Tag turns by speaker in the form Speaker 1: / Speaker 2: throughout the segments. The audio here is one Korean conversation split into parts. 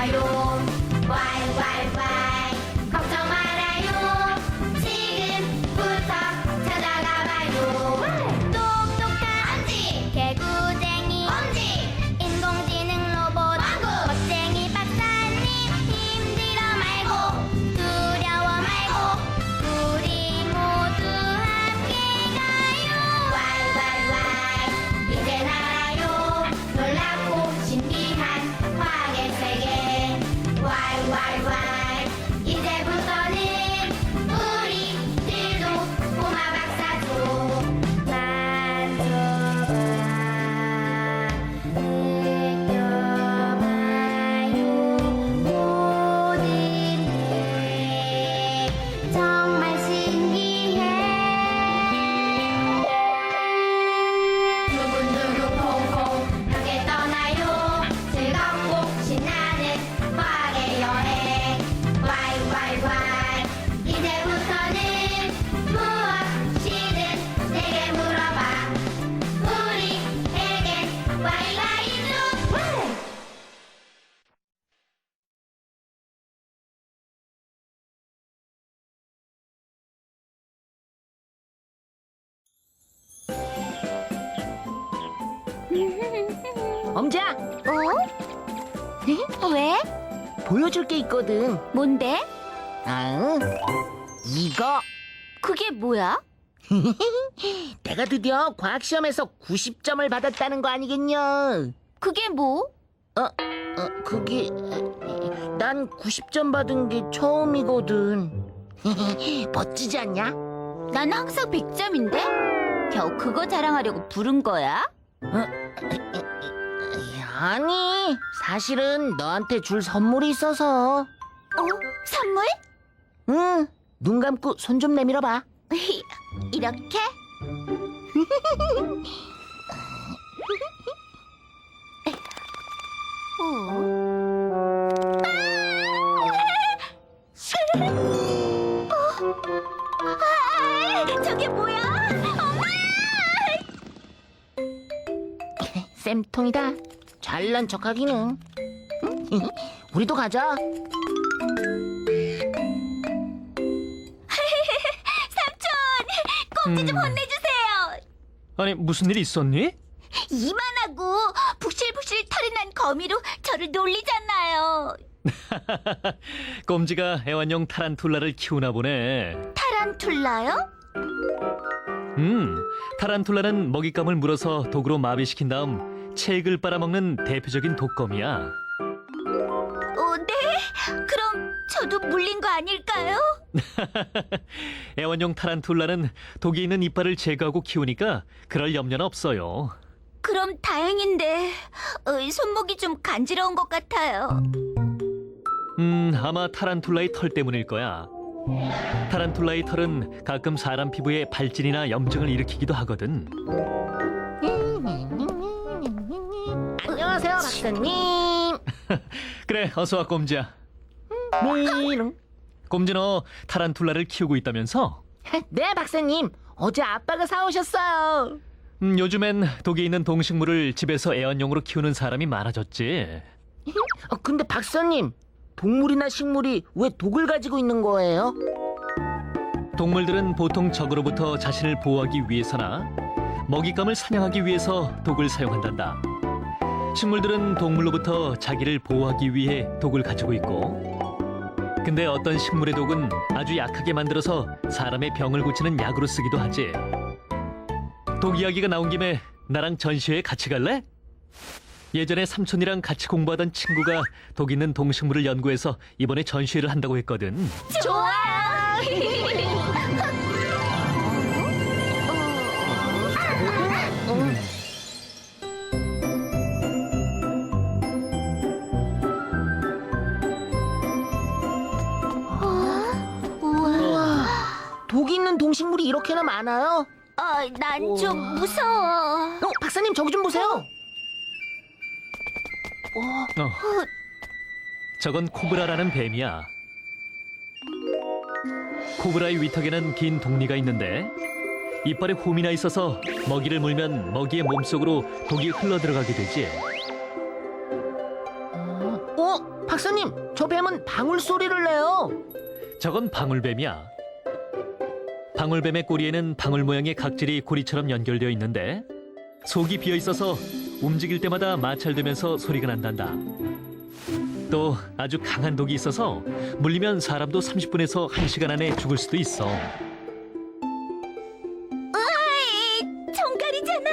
Speaker 1: 있어요. 왈왈왈 걱정 말아요. 지금부터 찾아가 봐요. 똑똑한 엄지 개구쟁이 엄지 인공지능 로봇 왕국 멋쟁이 박사님 힘들어 말고 두려워 말고 우리 모두 함께 가요. 왈왈왈 이제 알아요. 놀랍고 신비한 과학의 세계. 왈왈왈 이제부터는 우리들도 꼬마 박사도 만져봐 느껴봐요. 모든 게 정말 신기해. 두근두근 콩콩 함께 떠나요. 즐겁고 신나는 과학의 여행. 왈왈왈 이제부터는 무엇이든 내게 물어봐. 우리에겐 와이와이도
Speaker 2: 엄지야,
Speaker 1: 어? 왜?
Speaker 2: 보여줄 게 있거든.
Speaker 1: 뭔데?
Speaker 2: 아, 이거.
Speaker 1: 그게 뭐야?
Speaker 2: 내가 드디어 과학 시험에서 90점을 받았다는 거 아니겠냐?
Speaker 1: 그게 뭐?
Speaker 2: 그게 난 90점 받은 게 처음이거든. 멋지지 않냐?
Speaker 1: 난 항상 100점인데? 겨우 그거 자랑하려고 부른 거야?
Speaker 2: 아니, 사실은 너한테 줄 선물이 있어서.
Speaker 1: 선물?
Speaker 2: 응, 눈 감고 손 좀 내밀어봐.
Speaker 1: 이렇게? 저게 뭐야? 엄마!
Speaker 2: 쌤통이다. 잘난 척하기는. 우리도 가자.
Speaker 1: 꼼지 좀 혼내주세요.
Speaker 3: 아니, 무슨 일 있었니?
Speaker 1: 이만하고 북실북실 털이 난 거미로 저를 놀리잖아요.
Speaker 3: 꼼지가 애완용 타란툴라를 키우나 보네.
Speaker 1: 타란툴라요?
Speaker 3: 타란툴라는 먹잇감을 물어서 독으로 마비시킨 다음 체액을 빨아먹는 대표적인 독거미야.
Speaker 1: 네? 그럼 저도 물린 거 아닐까요?
Speaker 3: 애완용 타란툴라는 독이 있는 이빨을 제거하고 키우니까 그럴 염려는 없어요.
Speaker 1: 그럼 다행인데 손목이 좀 간지러운 것 같아요.
Speaker 3: 아마 타란툴라의 털 때문일 거야. 타란툴라의 털은 가끔 사람 피부에 발진이나 염증을 일으키기도 하거든.
Speaker 2: 안녕하세요, 박사님.
Speaker 3: 그래, 어서 와, 꼼지야.
Speaker 2: 미롱.
Speaker 3: 꼼지 너 타란툴라를 키우고 있다면서?
Speaker 2: 네, 박사님. 어제 아빠가 사오셨어요.
Speaker 3: 요즘엔 독이 있는 동식물을 집에서 애완용으로 키우는 사람이 많아졌지.
Speaker 2: 근데 박사님, 동물이나 식물이 왜 독을 가지고 있는 거예요?
Speaker 3: 동물들은 보통 적으로부터 자신을 보호하기 위해서나 먹잇감을 사냥하기 위해서 독을 사용한단다. 식물들은 동물로부터 자기를 보호하기 위해 독을 가지고 있고, 근데 어떤 식물의 독은 아주 약하게 만들어서 사람의 병을 고치는 약으로 쓰기도 하지. 독 이야기가 나온 김에 나랑 전시회에 같이 갈래? 예전에 삼촌이랑 같이 공부하던 친구가 독 있는 동식물을 연구해서 이번에 전시회를 한다고 했거든.
Speaker 1: 좋아요.
Speaker 2: 우와, 독 있는 동식물이 이렇게나 많아요?
Speaker 1: 난 좀 무서워.
Speaker 2: 박사님, 저기 좀 보세요.
Speaker 3: 저건 코브라라는 뱀이야. 코브라의 위턱에는 긴 독리가 있는데 이빨에 홈이 나 있어서 먹이를 물면 먹이의 몸속으로 독이 흘러들어가게 되지.
Speaker 2: 박사님, 저 뱀은 방울 소리를 내요.
Speaker 3: 저건 방울뱀이야. 방울뱀의 꼬리에는 방울 모양의 각질이 고리처럼 연결되어 있는데 속이 비어 있어서 움직일 때마다 마찰되면서 소리가 난단다. 또 아주 강한 독이 있어서 물리면 사람도 30분에서 1시간 안에 죽을 수도 있어.
Speaker 1: 정갈이잖아.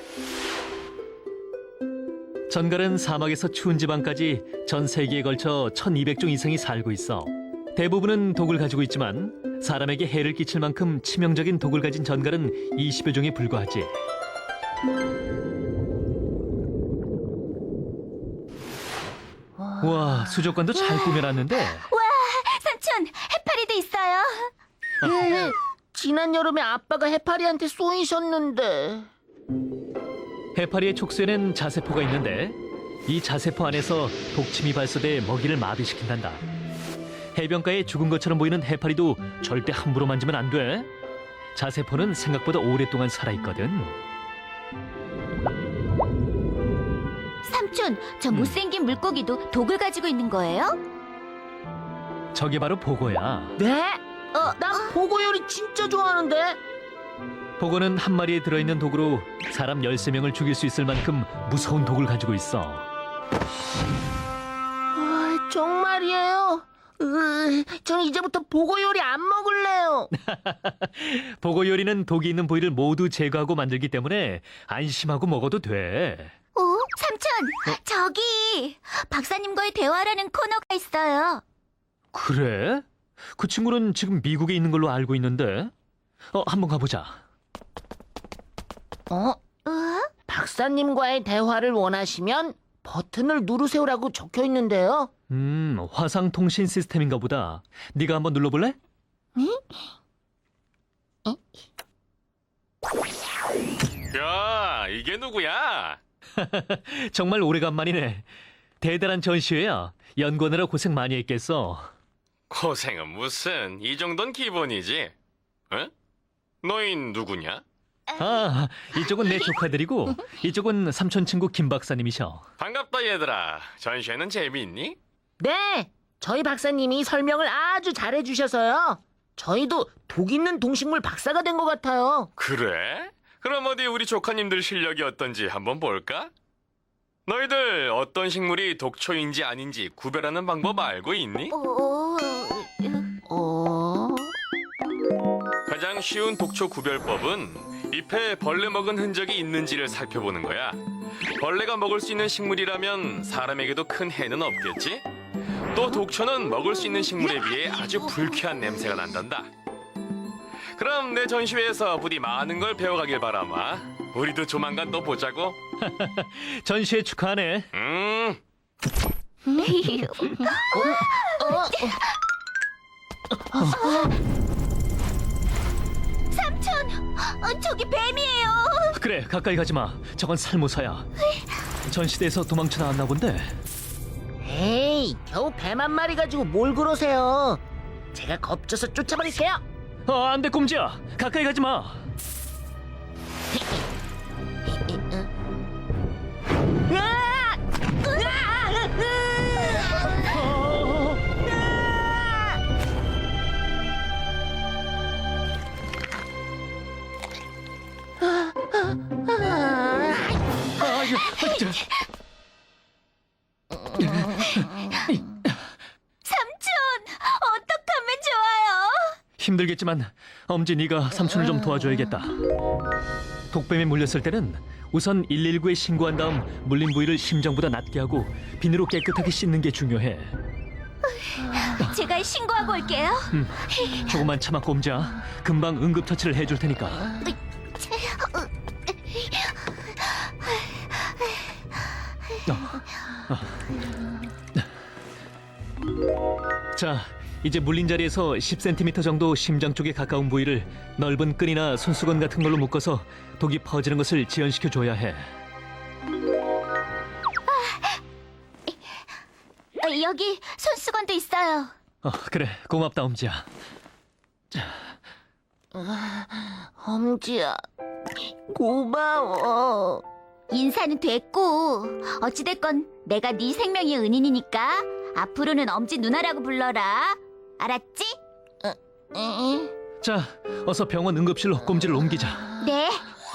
Speaker 3: 전갈은 사막에서 추운 지방까지 전 세계에 걸쳐 1200종 이상이 살고 있어. 대부분은 독을 가지고 있지만 사람에게 해를 끼칠 만큼 치명적인 독을 가진 전갈은 20여 종에 불과하지. 와, 수족관도 잘 꾸며놨는데.
Speaker 1: 삼촌, 해파리도 있어요.
Speaker 2: 예, 지난 여름에 아빠가 해파리한테 쏘이셨는데.
Speaker 3: 해파리의 촉수에는 자세포가 있는데 이 자세포 안에서 독침이 발사돼 먹이를 마비시킨단다. 해변가에 죽은 것처럼 보이는 해파리도 절대 함부로 만지면 안 돼. 자세포는 생각보다 오랫동안 살아있거든.
Speaker 1: 삼촌, 저 못생긴 물고기도 독을 가지고 있는 거예요?
Speaker 3: 저게 바로 보고야.
Speaker 2: 네? 난 보고 요리 진짜 좋아하는데.
Speaker 3: 보고는 한 마리에 들어있는 독으로 사람 13명을 죽일 수 있을 만큼 무서운 독을 가지고 있어.
Speaker 2: 정말이에요? 전 이제부터 보고 요리 안 먹을래요.
Speaker 3: 보고 요리는 독이 있는 부위를 모두 제거하고 만들기 때문에 안심하고 먹어도 돼.
Speaker 1: 삼촌, 저기 박사님과의 대화라는 코너가 있어요.
Speaker 3: 그래? 그 친구는 지금 미국에 있는 걸로 알고 있는데. 한번 가보자.
Speaker 2: 박사님과의 대화를 원하시면 버튼을 누르세요라고 적혀 있는데요.
Speaker 3: 화상 통신 시스템인가 보다. 네가 한번 눌러볼래?
Speaker 4: 야, 이게 누구야?
Speaker 3: 정말 오래간만이네. 대단한 전시회야. 연구하느라 고생 많이 했겠어.
Speaker 4: 고생은 무슨, 이 정도는 기본이지. 응? 너흰 누구냐?
Speaker 3: 아, 이쪽은 내 조카들이고 이쪽은 삼촌 친구 김 박사님이셔.
Speaker 4: 반갑다 얘들아. 전시회는 재미있니?
Speaker 2: 네, 저희 박사님이 설명을 아주 잘해주셔서요. 저희도 독 있는 동식물 박사가 된 것 같아요.
Speaker 4: 그래? 그럼 어디 우리 조카님들 실력이 어떤지 한번 볼까? 너희들 어떤 식물이 독초인지 아닌지 구별하는 방법 알고 있니? 가장 쉬운 독초 구별법은 잎에 벌레 먹은 흔적이 있는지를 살펴보는 거야. 벌레가 먹을 수 있는 식물이라면 사람에게도 큰 해는 없겠지? 또 독초는 먹을 수 있는 식물에 비해 아주 불쾌한 냄새가 난단다. 그럼 내 전시회에서 부디 많은 걸 배워가길 바라마. 우리도 조만간 또 보자고.
Speaker 3: 전시회 축하하네.
Speaker 1: 삼촌, 저기 뱀이에요.
Speaker 3: 그래, 가까이 가지 마. 저건 살모사야. 전시대에서 도망쳐 나왔나 본데.
Speaker 2: 에이, 겨우 뱀 한 마리 가지고 뭘 그러세요. 제가 겁줘서 쫓아버릴게요.
Speaker 3: 안 돼, 꼼지야. 가까이 가지 마.
Speaker 1: 삼촌, 어떡하면 좋아요?
Speaker 3: 힘들겠지만 엄지 네가 삼촌을 좀 도와줘야겠다. 독뱀에 물렸을 때는 우선 119에 신고한 다음 물린 부위를 심장보다 낮게 하고 비누로 깨끗하게 씻는 게 중요해.
Speaker 1: 제가 신고하고 올게요.
Speaker 3: 조금만 참아, 꼼지야. 금방 응급처치를 해줄 테니까. 자, 이제 물린 자리에서 10cm 정도 심장 쪽에 가까운 부위를 넓은 끈이나 손수건 같은 걸로 묶어서 독이 퍼지는 것을 지연시켜 줘야 해.
Speaker 1: 여기 손수건도 있어요.
Speaker 3: 그래, 고맙다, 엄지야.
Speaker 2: 엄지야, 고마워.
Speaker 1: 인사는 됐고 어찌됐건 내가 네 생명의 은인이니까 앞으로는 엄지 누나라고 불러라. 알았지?
Speaker 3: 자, 어서 병원 응급실로 꼼지를 옮기자.
Speaker 1: 네.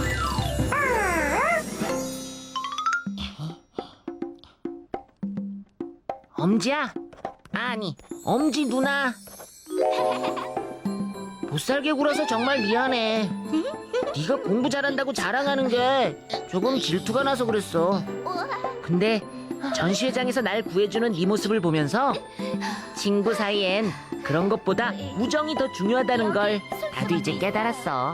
Speaker 2: 엄지야? 아니, 엄지 누나. 못살게 굴어서 정말 미안해. 네가 공부 잘한다고 자랑하는 게 조금 질투가 나서 그랬어. 근데 전시회장에서 날 구해주는 네 모습을 보면서 친구 사이엔 그런 것보다 우정이 더 중요하다는 걸 나도 이제 깨달았어.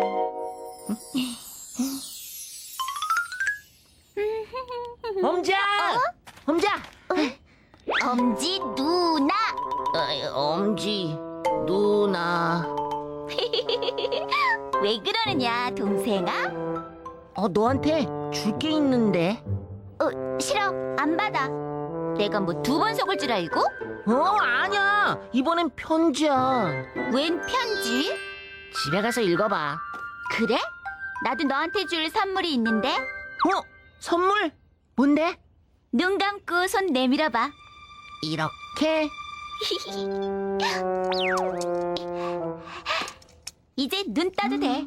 Speaker 2: 엄지야! 엄지야!
Speaker 1: 엄지 누나.
Speaker 2: 엄지 누나.
Speaker 1: 왜 그러느냐, 동생아?
Speaker 2: 너한테 줄 게 있는데.
Speaker 1: 싫어. 안 받아. 내가 뭐 두 번 속을 줄 알고?
Speaker 2: 아니야. 이번엔 편지야.
Speaker 1: 웬 편지?
Speaker 2: 집에 가서 읽어봐.
Speaker 1: 그래? 나도 너한테 줄 선물이 있는데.
Speaker 2: 선물? 뭔데?
Speaker 1: 눈 감고 손 내밀어봐.
Speaker 2: 이렇게?
Speaker 1: 이제 눈 떠도 돼.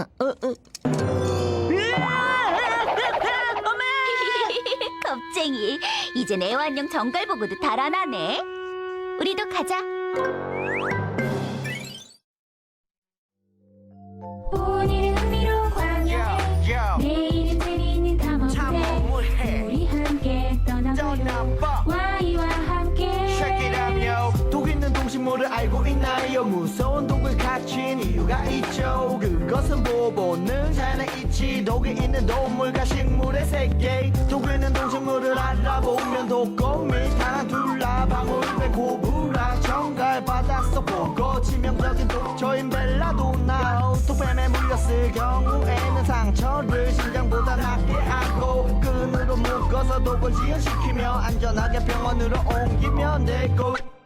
Speaker 1: 겁쟁이. 이젠 애완용 정갈 보고도 달아나네. 우리도 가자.
Speaker 5: 오늘은 흥미로운 광야 내일은 재미있는 탐험대 우리 함께 떠나봐요 와이와 함께
Speaker 6: 독 있는 동식물을 알고 있나요? 무서운 독을 갖춘 이유가 있죠. 그것은 보고는 자연에 있지. 독이 있는 동물과 식물의 세계. 독 있는 동식물을 알아보면 독거미, 타란툴라, 방울배, 고브라, 정갈, 바닷속 보고 치명적인 독초인 벨라도나. 독뱀에 물렸을 경우에는 상처를 심장보다 낫게 하고 끈으로 묶어서 독을 지연시키며 안전하게 병원으로 옮기면 되고